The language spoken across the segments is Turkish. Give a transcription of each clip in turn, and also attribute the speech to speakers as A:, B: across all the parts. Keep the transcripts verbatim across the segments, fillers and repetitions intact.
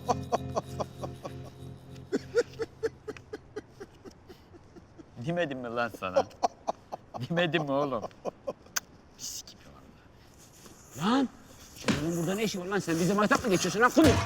A: Demedim mi lan sana? Demedim mi oğlum? Pis gibi vallahi.
B: Lan! Senin burada ne işin var lan? Sen bize maytap mı geçiyorsun lan? Kulu!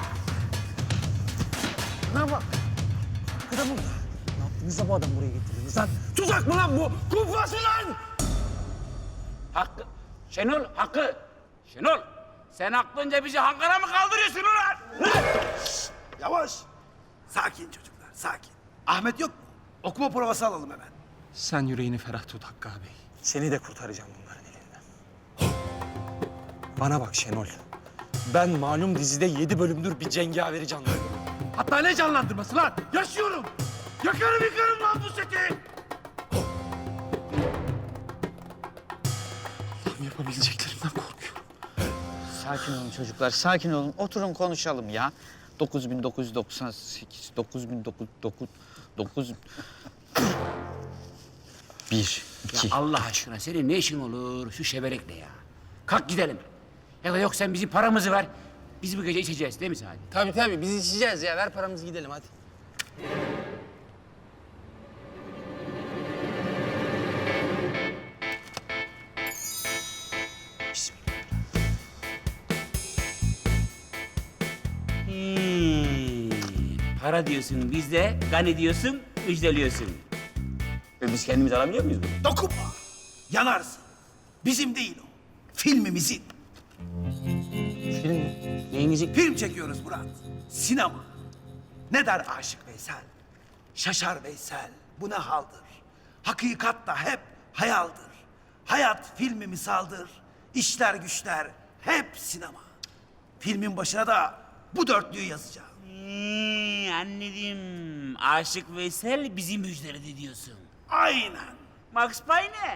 C: Ne bak? Kıda burada. Ne yaptınız da bu adam buraya getirdiniz lan?
B: Tuzak mı lan bu? Kumpas mı lan? Hakkı. Şenol, Hakkı. Şenol, sen aklınca bizi hangara mı kaldırıyorsun ulan?
D: Yavaş. Sakin çocuklar, sakin. Ahmet yok mu? Okuma provası alalım hemen.
C: Sen yüreğini ferah tut Hakkı abi. Seni de kurtaracağım bunların elinden. Bana bak Şenol. Ben malum dizide yedi bölümdür bir cengaveri canlandırıyorum.
D: Hatta ne canlandırması lan? Yaşıyorum. Yakarım yıkarım lan bu seti.
C: Allah'ım yapabileceklerimden korkuyorum.
A: Sakin olun çocuklar, sakin olun. Oturun konuşalım ya. dokuz bin dokuz yüz doksan sekiz, dokuz bin dokuz yüz dokuz, dokuz... Bir, iki...
B: Ya Allah aşkına senin ne işin olur şu şeberekle ya? Kalk gidelim. Ya da yok sen bizim paramızı ver. Biz bu gece içeceğiz değil mi Sadi?
C: Tabii tabii biz içeceğiz ya. Ver paramızı gidelim hadi.
B: Hmm. Para diyorsun bizde, gani diyorsun, müjdeliyorsun. Ve biz kendimiz alabiliyor muyuz bunu?
D: Dokunma. Yanarsın. Bizim değil o. Filmimizin.
B: Film neyinizi?
D: Film çekiyoruz Murat. Sinema. Ne der Aşık Veysel? Şaşar Veysel. Bu ne haldır? Hakikat da hep hayaldir. Hayat filmi misaldır. İşler güçler hep sinema. Filmin başına da bu dörtlüyü yazacağım.
B: Hmm, anladım. Aşık Veysel bizi müjdeledi diyorsun.
D: Aynen.
B: Max Payne.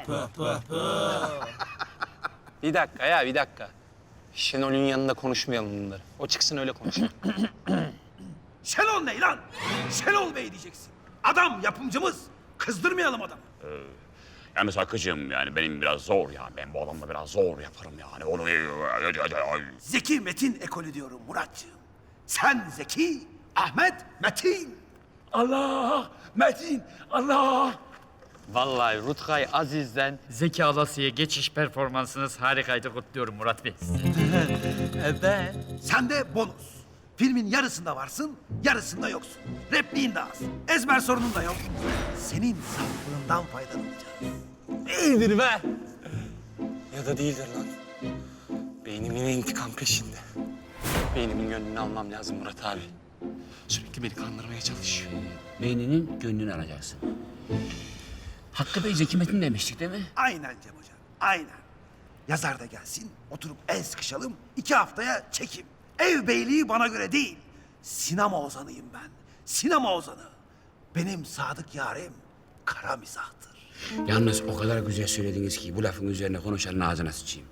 C: Bir dakika ya bir dakika. Şenol'ün yanında konuşmayalım bunları. O çıksın öyle konuşalım.
D: Şenol ne lan? Şenol Bey diyeceksin. Adam yapımcımız. Kızdırmayalım adamı.
E: Yalnız Hakkı'cığım yani benim biraz zor ya. Ben bu adamla biraz zor yaparım yani. Onu...
D: Zeki Metin ekolü diyorum Muratcığım. Sen Zeki, Ahmet Metin.
B: Allah! Metin! Allah!
A: Vallahi Rutkay Aziz'den Zeki Alasya'ya geçiş performansınız harikaydı. Kutluyorum Murat Bey.
C: Evet.
D: Sen de bonus. Filmin yarısında varsın, yarısında yoksun. Repliğin de az, ezber sorunun da yok. Senin saflığından faydalanacağız.
C: İyidir be. Ya da değildir lan. Beynim yine intikam peşinde. Beynimin gönlünü almam lazım Murat abi. Sürekli beni kandırmaya çalışıyor.
B: Beyninin gönlünü alacaksın. Hakkı Bey Zeki Metin demiştik değil mi?
D: Aynen Cem Hoca, aynen. Yazar da gelsin, oturup el sıkışalım, iki haftaya çekim. Ev beyliği bana göre değil. Sinema ozanıyım ben, sinema ozanı. Benim sadık yarim kara mizahtır.
B: Yalnız o kadar güzel söylediniz ki bu lafın üzerine konuşanın ağzına sıçayım.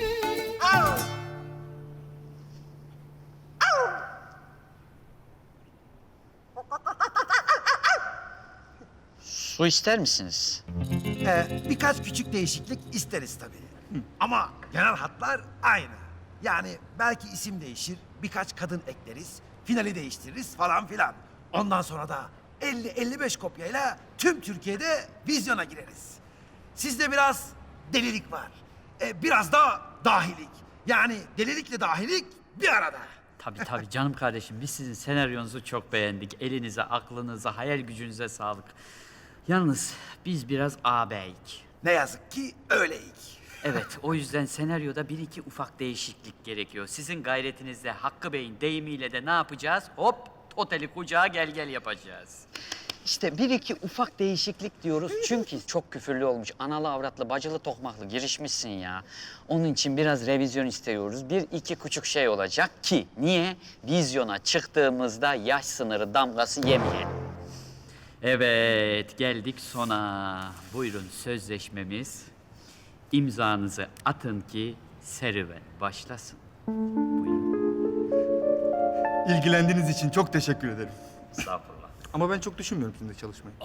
A: Su ister misiniz?
D: Ee, birkaç küçük değişiklik isteriz tabii. Ama genel hatlar aynı. Yani belki isim değişir, birkaç kadın ekleriz, finali değiştiririz falan filan. Ondan sonra da elli elli beş kopyayla tüm Türkiye'de vizyona gireriz. Sizde biraz delilik var. Ee, biraz da dahilik. Yani delilikle dahilik bir arada.
A: Tabii tabii canım kardeşim. Biz sizin senaryonuzu çok beğendik. Elinize, aklınıza, hayal gücünüze sağlık. Yalnız biz biraz ağabeyik.
D: Ne yazık ki öyleyik.
A: Evet, o yüzden senaryoda bir iki ufak değişiklik gerekiyor. Sizin gayretinizle, Hakkı Bey'in deyimiyle de ne yapacağız? Hop, oteli kucağa gel gel yapacağız. İşte bir iki ufak değişiklik diyoruz çünkü çok küfürlü olmuş. Analı, avratlı, bacılı, tokmaklı girişmişsin ya. Onun için biraz revizyon istiyoruz. Bir iki küçük şey olacak ki niye? Vizyona çıktığımızda yaş sınırı damgası yemeyelim. Evet, geldik sona. Buyurun sözleşmemiz. İmzanızı atın ki serüven başlasın. Buyurun.
F: İlgilendiğiniz için çok teşekkür ederim.
A: Estağfurullah.
F: Ama ben çok düşünmüyorum sizinle çalışmayı.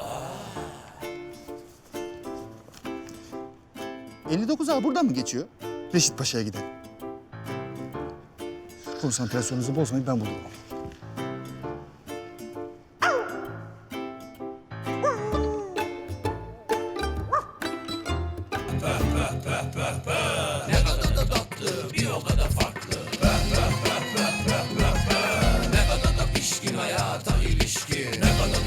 F: elli dokuz A buradan mı geçiyor? Reşit Paşa'ya giden. Konsantrasyonunuzu bozmayın, ben bulurum.
G: peh peh peh.